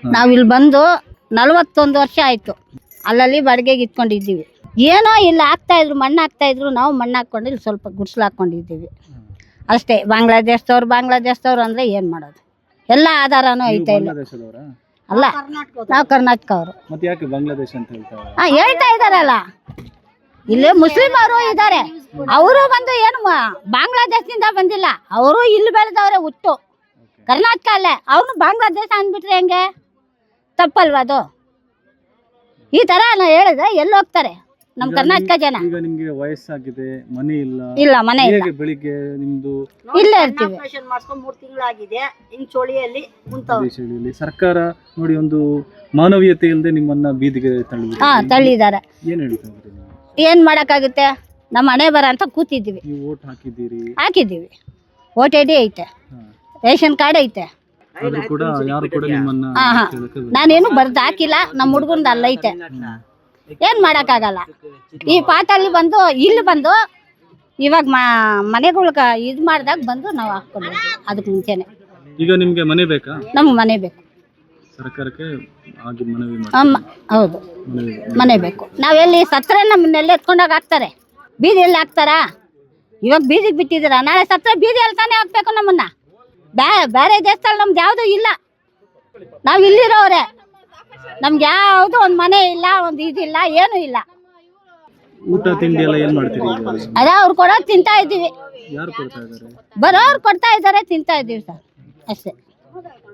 ನಾವಿಲ್ಲಿ ಬಂದು 41 ವರ್ಷ ಆಯ್ತು. ಅಲ್ಲಲ್ಲಿ ಬಾಡಿಗೆಗೆ ಇಟ್ಕೊಂಡಿದ್ದೀವಿ. ಏನೋ ಇಲ್ಲ ಹಾಕ್ತಾ ಇದ್ರು, ಮಣ್ಣು ಹಾಕ್ತಾ ಇದ್ರು, ನಾವು ಮಣ್ಣು ಹಾಕ್ಕೊಂಡು ಇಲ್ಲಿ ಸ್ವಲ್ಪ ಗುಡ್ಸ್ಲು ಹಾಕ್ಕೊಂಡಿದ್ದೀವಿ ಅಷ್ಟೇ. ಬಾಂಗ್ಲಾದೇಶದವ್ರು ಅಂದರೆ ಏನು ಮಾಡೋದು? ಎಲ್ಲ ಆಧಾರನೂ ಐತೆ ಇಲ್ಲ. ಅಲ್ಲ, ನಾವು ಕರ್ನಾಟಕ ಅವರು. ಹೇಳ್ತಾ ಇದ್ದಾರಲ್ಲ, ಇಲ್ಲೇ ಮುಸ್ಲಿಂ ಅವರು ಇದ್ದಾರೆ. ಅವರು ಬಂದು ಏನು ಬಾಂಗ್ಲಾದೇಶದಿಂದ ಬಂದಿಲ್ಲ, ಅವರು ಇಲ್ಲಿ ಬೆಳೆದವ್ರೆ ಹುಟ್ಟು ಕರ್ನಾಟಕ ಅಲ್ಲೇ. ಅವ್ರು ಬಾಂಗ್ಲಾದೇಶ ಅಂದ್ಬಿಟ್ರೆ ಹೆಂಗೆ? ತಪ್ಪಲ್ವ ಅದು? ಈ ತರ ನಾ ಹೇಳಿದ್ರೆ ಎಲ್ಲಿ ಹೋಗ್ತಾರೆ ನಮ್ಮ ಕರ್ನಾಟಕ ಜನ? ಈಗ ನಿಮಗೆ ವಯಸ್ಸಾಗಿದೆ, ಮನೆ ಇಲ್ಲ. ಇಲ್ಲ, ಮನೆ ಇಲ್ಲ. ಬೆಳಿಗ್ಗೆ ನಿಮ್ದು ಇಲ್ಲೇ ಇರ್ತೀವಿ. ಮಾಡ್ಸ್ಕೊಂಡು 3 ತಿಂಗಳಾಗಿದೆ. ಹಿಂಗ್ ಚೋಳಿಯಲ್ಲಿ ದೇಶದಲ್ಲಿ ಸರ್ಕಾರ ನೋಡಿ ಒಂದು ಮಾನವೀಯತೆ ಇಲ್ಲದೆ ನಿಮ್ಮನ್ನ ಬೀದಿಗೆ ತಳ್ಳಿದ್ದಾರೆ. ಏನ್ ಹೇಳ್ತಾ ಇದ್ರಿ? ಏನ್ ಮಾಡಕ್ಕಾಗುತ್ತೆ? ನಮ್ಮ ಮನೆ ಬರ ಅಂತ ಕೂತಿದ್ದೀವಿ. ನೀವು ವೋಟ್ ಹಾಕಿದ್ದೀವಿ. ಓಟ್ ಐಡಿ ಐತೆ, ರೇಷನ್ ಕಾರ್ಡ್ ಐತೆ. ಕೂಡ ಯಾರು ಕೂಡ ನಿಮ್ಮನ್ನ ನಾನೇನು ಬರ್ದು ಹಾಕಿಲ್ಲ. ನಮ್ಮ ಹುಡುಗಂದು ಅಲ್ಲೈತೆ. ಏನ್ ಮಾಡಕ್ಕಾಗಲ್ಲ. ಈ ಪಾತಲ್ಲಿ ಬಂದು ಇಲ್ಲಿ ಬಂದು ಇವಾಗ ಮನೆಗಳ್ಗ ಇದು ಮಾಡಿದಾಗ ಬಂದು ನಾವು ಹಾಕ್ಕೊಂಡು ಅದಕ್ಕೆ ಮುಂಚೆನೆ. ಈಗ ನಿಮ್ಗೆ ಮನೆ ಬೇಕಾ? ನಮ್ಗೆ ಮನೆ ಬೇಕು. ಸರ್ಕಾರಕ್ಕೆ ಮನವಿ ಹೌದು, ಮನೆ ಬೇಕು. ನಾವೆಲ್ಲಿ ಸತ್ರ ನಮ್ಮನ್ನೆಲ್ಲ ಎತ್ಕೊಂಡೋಗಿ ಹಾಕ್ತಾರೆ. ಬೀದಿಯಲ್ಲಿ ಹಾಕ್ತಾರಾ? ಇವಾಗ ಬೀದಿಗೆ ಬಿಟ್ಟಿದ್ದೀರಾ, ನಾಳೆ ಸತ್ರ ಬೀದಿಯಲ್ಲಿ ತಾನೇ ಹಾಕ್ಬೇಕು ನಮ್ಮನ್ನ. ಬೇರೆ ದೇಶದಲ್ಲಿ ನಮ್ದು ಯಾವುದು ಇಲ್ಲ. ನಾವು ಇಲ್ಲಿರೋರೆ, ನಮ್ಗೆ ಯಾವುದು ಒಂದು ಮನೆ ಇಲ್ಲ, ಒಂದು ಇದಿಲ್ಲ, ಏನೂ ಇಲ್ಲ. ಊಟ ತಿಂಡಿ ಎಲ್ಲ ಏನ್ ಮಾಡ್ತೀರಿ? ಅದ ಅವ್ರು ಕೊಡೋದು ತಿಂತಾ ಇದ್ದೀವಿ. ಯಾರು ಕೊಡ್ತಾ ಇದ್ದಾರೆ? ಬರೋರು ಕೊಡ್ತಾ ಇದ್ದಾರೆ, ತಿಂತಾ ಇದ್ದೀವಿ ಸರ್, ಅಷ್ಟೇ.